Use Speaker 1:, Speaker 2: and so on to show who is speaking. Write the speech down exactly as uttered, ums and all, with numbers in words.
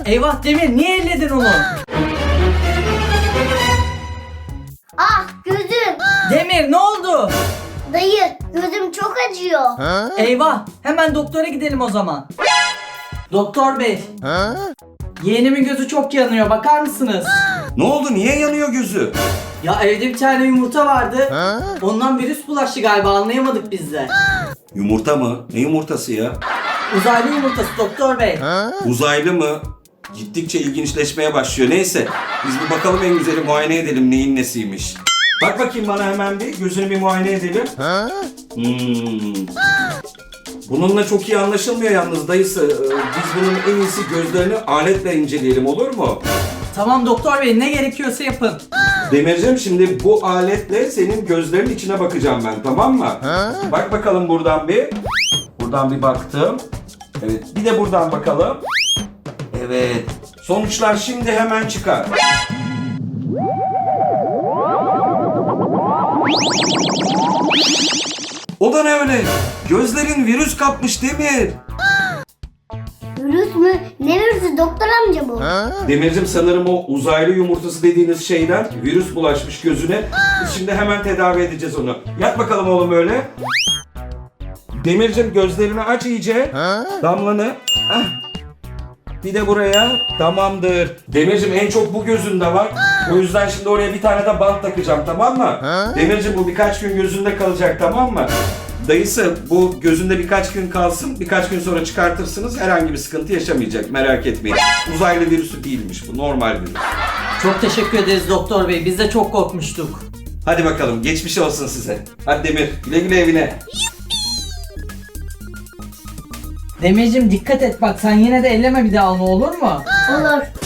Speaker 1: Eyvah Demir, niye elledin onu?
Speaker 2: Ah gözüm.
Speaker 1: Demir ne oldu?
Speaker 2: Dayı gözüm çok acıyor.
Speaker 1: Eyvah, hemen doktora gidelim o zaman. Doktor bey. Yeğenimin gözü çok yanıyor, bakar mısınız?
Speaker 3: Ne oldu? Niye yanıyor gözü?
Speaker 1: Ya evde bir tane yumurta vardı. Ondan virüs bulaştı galiba, anlayamadık biz de.
Speaker 3: Yumurta mı? Ne yumurtası ya?
Speaker 1: Uzaylı yumurtası doktor bey.
Speaker 3: Uzaylı mı? Gittikçe ilginçleşmeye başlıyor. Neyse biz bir bakalım, en güzeli muayene edelim neyin nesiymiş. Bak bakayım bana hemen bir, gözünü bir muayene edelim. Hmm. Bununla çok iyi anlaşılmıyor yalnız dayısı. Ee, Biz bunun en iyisi gözlerini aletle inceleyelim, olur mu?
Speaker 1: Tamam doktor bey, ne gerekiyorsa yapın.
Speaker 3: Demircim, şimdi bu aletle senin gözlerinin içine bakacağım ben, tamam mı? Bak bakalım buradan bir. Buradan bir baktım. Evet, bir de buradan bakalım. Evet. Sonuçlar şimdi hemen çıkar. O da ne öyle? Gözlerin virüs kapmış Demir.
Speaker 2: Virüs mü? Ne virüsü doktor amca bu?
Speaker 3: Demircim, sanırım o uzaylı yumurtası dediğiniz şeyden virüs bulaşmış gözüne. Biz şimdi hemen tedavi edeceğiz onu. Yat bakalım oğlum öyle. Demircim, gözlerini aç iyice. Damlanı. Ah. Bir de buraya. Tamamdır. Demircim, en çok bu gözünde var. O yüzden şimdi oraya bir tane de bant takacağım, tamam mı? Demircim, bu birkaç gün gözünde kalacak, tamam mı? Dayısı, bu gözünde birkaç gün kalsın. Birkaç gün sonra çıkartırsınız. Herhangi bir sıkıntı yaşamayacak. Merak etmeyin. Uzaylı virüsü değilmiş bu. Normal virüs.
Speaker 1: Çok teşekkür ederiz doktor bey, biz de çok korkmuştuk.
Speaker 3: Hadi bakalım. Geçmiş olsun size. Hadi Demir. Güle güle evine.
Speaker 1: Demircim dikkat et bak, sen yine de elleme bir daha onu, olur mu?
Speaker 2: Olur.